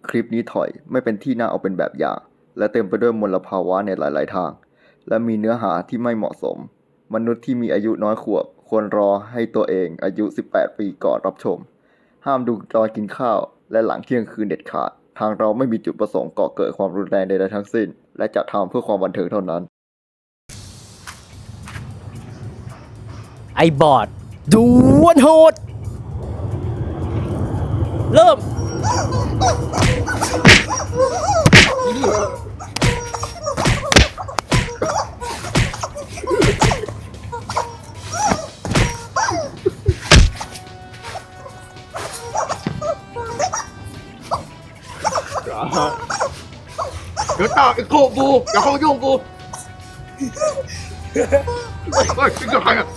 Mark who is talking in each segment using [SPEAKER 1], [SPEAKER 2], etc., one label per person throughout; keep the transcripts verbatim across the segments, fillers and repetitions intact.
[SPEAKER 1] คลิปนี้ถอยไม่เป็นที่น่าเอาเป็นแบบอย่างและเต็มไปด้วยมลภาวะในหลายๆทางและมีเนื้อหาที่ไม่เหมาะสมมนุษย์ที่มีอายุน้อยขวบควรรอให้ตัวเองอายุสิบแปดปีก่อนรับชมห้ามดูตอนกินข้าวและหลังเที่ยงคืนเด็ดขาดทางเราไม่มีจุดประสงค์ก่อเกิดความรุนแรงใดๆทั้งสิ้นและจะทำเพื่อความบันเทิงเท่านั้น
[SPEAKER 2] ไอ้บอดดวลโหดเริ่ม
[SPEAKER 3] เดี๋ยวต่อไอ้โคกูอย่าเข้ามายุ่งกูเฮ้ยเป็นยังไงอ่ะ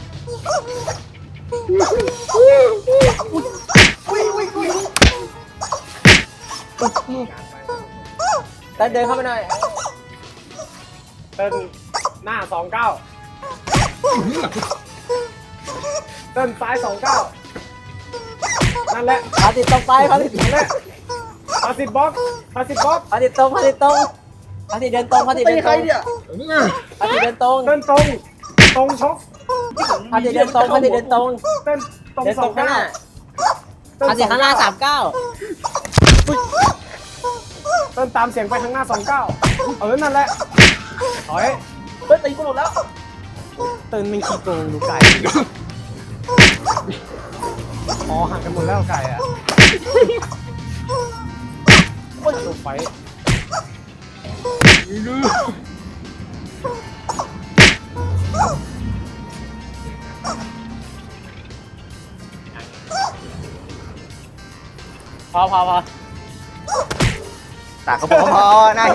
[SPEAKER 2] เต้นเดินเข้ามาหน่อยเต้นหน้าสองเก้าเต้นซ้ายสองเก้านั่นแหละพาติดตรงไปพาติดนั่นแหละพาติดบล็อกพาติดบล็อกพาติดตรงพาติดตรงพาติดเดินตรงพาติดเดินตรงพาติดเดินตรงเดินตรงตรงชกพาติดเดินตรงพาติดเดินตรงเต้นตรงสองเก้าพาติดข้างหน้าสามเก้าเต้นตามเสียงไปข้างหน้าสองเก้าเออนั่นแหละถอยเต้นตีกูหมดแล้วเต้นมันขี้โกงดูไก่อ๋อห่างกันหมดแล้วไก่อะโอ้ยลงไปพอพอพอ
[SPEAKER 1] ตากก็พอพอหน้าที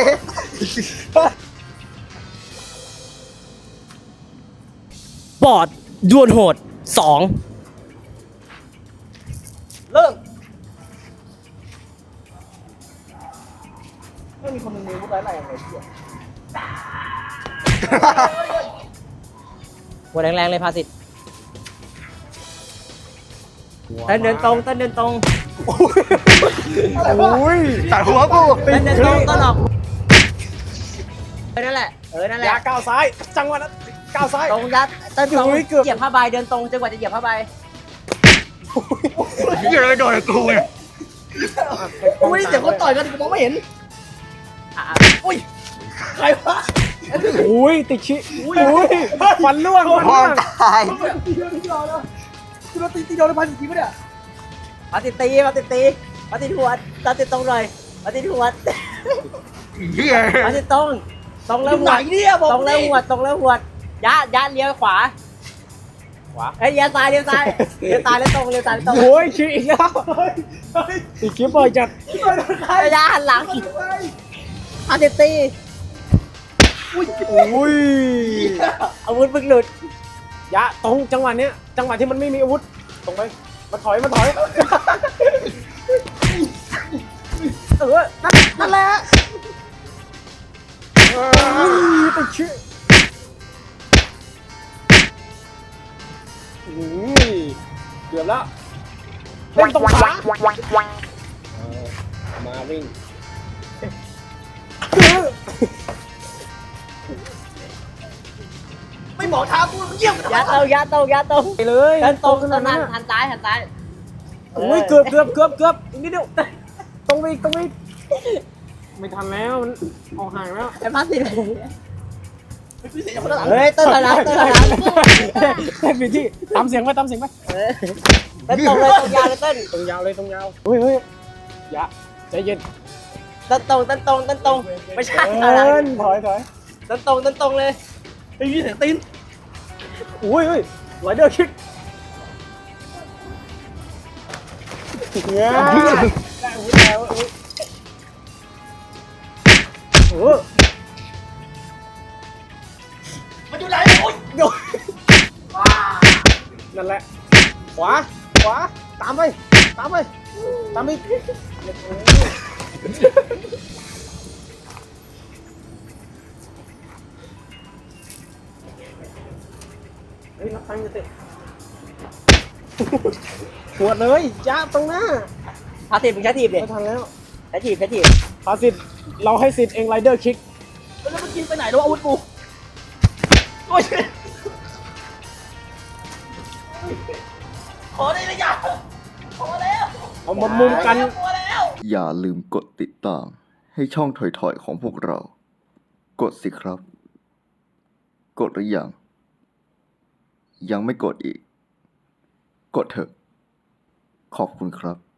[SPEAKER 2] บอดดวลโหดสองเริ่มไม่มีคนหนึ่งมีวุฒิอะไรอะไรเที่ยหัวแรงๆเลยพาสิทธิ์เต้นเดินตรงเต้นเดินตรง
[SPEAKER 3] โอ้ยตัดหัวกู
[SPEAKER 2] เต้นเดินตรงต้นออกเออนั่นแหละเออนั่นแหละ
[SPEAKER 4] ยาก้าวซ้ายจังหวะนั้นก้าวซ้าย
[SPEAKER 2] ตรงยัดเต้นตรง
[SPEAKER 4] โอ้ยเกือบ
[SPEAKER 2] เหยียบผ้าใบเดินตรงจนกว่าจะเหยียบผ้าใบ
[SPEAKER 3] เหี้ยอะไรโดนกูเนี่ย
[SPEAKER 4] อุ้ยเดี๋ยวเขาต่อยกันกูมองไม่เห็น
[SPEAKER 2] อ่ะ
[SPEAKER 4] อุ้ยใครวะอุ้ยติดชิอุ้ยฟันล่วงฟัน
[SPEAKER 1] พอ
[SPEAKER 4] ล่วง
[SPEAKER 1] ตาย
[SPEAKER 4] ตีเดียวตีเดียวแล้วกูโดนตีตีเดียวเลยพันสี่ปะเนี่ย
[SPEAKER 2] มาติดตีมาติดตีมาติดหัวมาติดตรงหน่อยมาติดหัว
[SPEAKER 3] เหี้ย
[SPEAKER 2] มาติดตรงตรงแล้วหั
[SPEAKER 4] ไหน
[SPEAKER 2] ว
[SPEAKER 4] เนี่ยบอก
[SPEAKER 2] ตรงแล้วหัวตรงแล้วหัวยัดยัดเลี้ยวขวาขวาเอ้ยเลี้ยวซ้ายเลี้ยวซ้ายเลี้ยวซ้ายแล้วตรงเลี้ยวซ้ายแล้วตรง
[SPEAKER 4] โอ้ยชิอีกแล้วติดชิบ่อยจัด
[SPEAKER 2] ไอ้ยัดหันหลังมาติดตี
[SPEAKER 4] อุ้ย
[SPEAKER 2] อาวุธมึงหลุด
[SPEAKER 4] ยะตรงจังหวะเนี้ยจังหวะที่มันไม่มีอาวุธตรงไปมาถอยมาถอยเออนั่นนั่นแหละติดชิอุ้ยเกือบแล้วเล่นตรงขามาวิ่งไม่หมอท้ากูเยี่ยม
[SPEAKER 2] ยัดตรงยัดตรงยัดตรง
[SPEAKER 4] ไปเลย
[SPEAKER 2] เดินตรง
[SPEAKER 4] ข
[SPEAKER 2] ต
[SPEAKER 4] นา
[SPEAKER 2] รง
[SPEAKER 4] ดนั้
[SPEAKER 2] นั้น นหันซ้ายหันซ้าย
[SPEAKER 4] โอ้ยเกือบเกือบเกือบเกือบอีกนิดเดียวตรงไปอีกตรงไปอีกไม่ทันแล้วมันออกห่างแล้ว
[SPEAKER 2] ไอ้พาสิเฮ้ยเต้นถอยหลังเต้นถอยหลัง
[SPEAKER 4] เต้นไปที่ตามเสียงไปตามเสียงไป
[SPEAKER 2] เออเต้นตรงเลยตรงยาวเลยเต้น
[SPEAKER 4] ตรงยาวเลยตรงยาวเฮ้ยเฮ้ยอย่าใจเย็น
[SPEAKER 2] เต้นตรงเต้นตรงเต้นตรงไม่ใช่
[SPEAKER 4] เ
[SPEAKER 2] ถอยหลัง
[SPEAKER 4] อิ้นถอยถอย
[SPEAKER 2] เต้นตรงเต้นตรงเลย
[SPEAKER 4] ไอ้ยี่เสียงตีนอุ้ยเฮ้ยไหลเดอร์คิกเนี่ยได้อุ้ยแล้วอุ้ยโอ้มันอยู่ไหนโอ้ยโยนั่นแหละขวาขวาตามไปตามไปตามไปเฮ้ยรับตังค์จะเตะปวดเลยจ้าบตรงหน้า
[SPEAKER 2] พาทีบมึงใช้ทีบดิ
[SPEAKER 4] ไม่ทันแล้ว
[SPEAKER 2] พชรทีบเพชรทีบ
[SPEAKER 4] พาสิทธิ์เราให้สิทธิ์เองไรเดอร์คิก
[SPEAKER 2] แล้วมันกินไปไหนแล้วอาวุธกูโอ้ยขอได้เลยอย่าขอแล้ว
[SPEAKER 4] เอามามุมกัน
[SPEAKER 2] ขอแล้ว
[SPEAKER 1] อย่าลืมกดติดตาม ให้ช่องถอยๆของพวกเรา กดสิครับ กดหรือยัง ยังไม่กดอีก กดเถอะ ขอบคุณครับ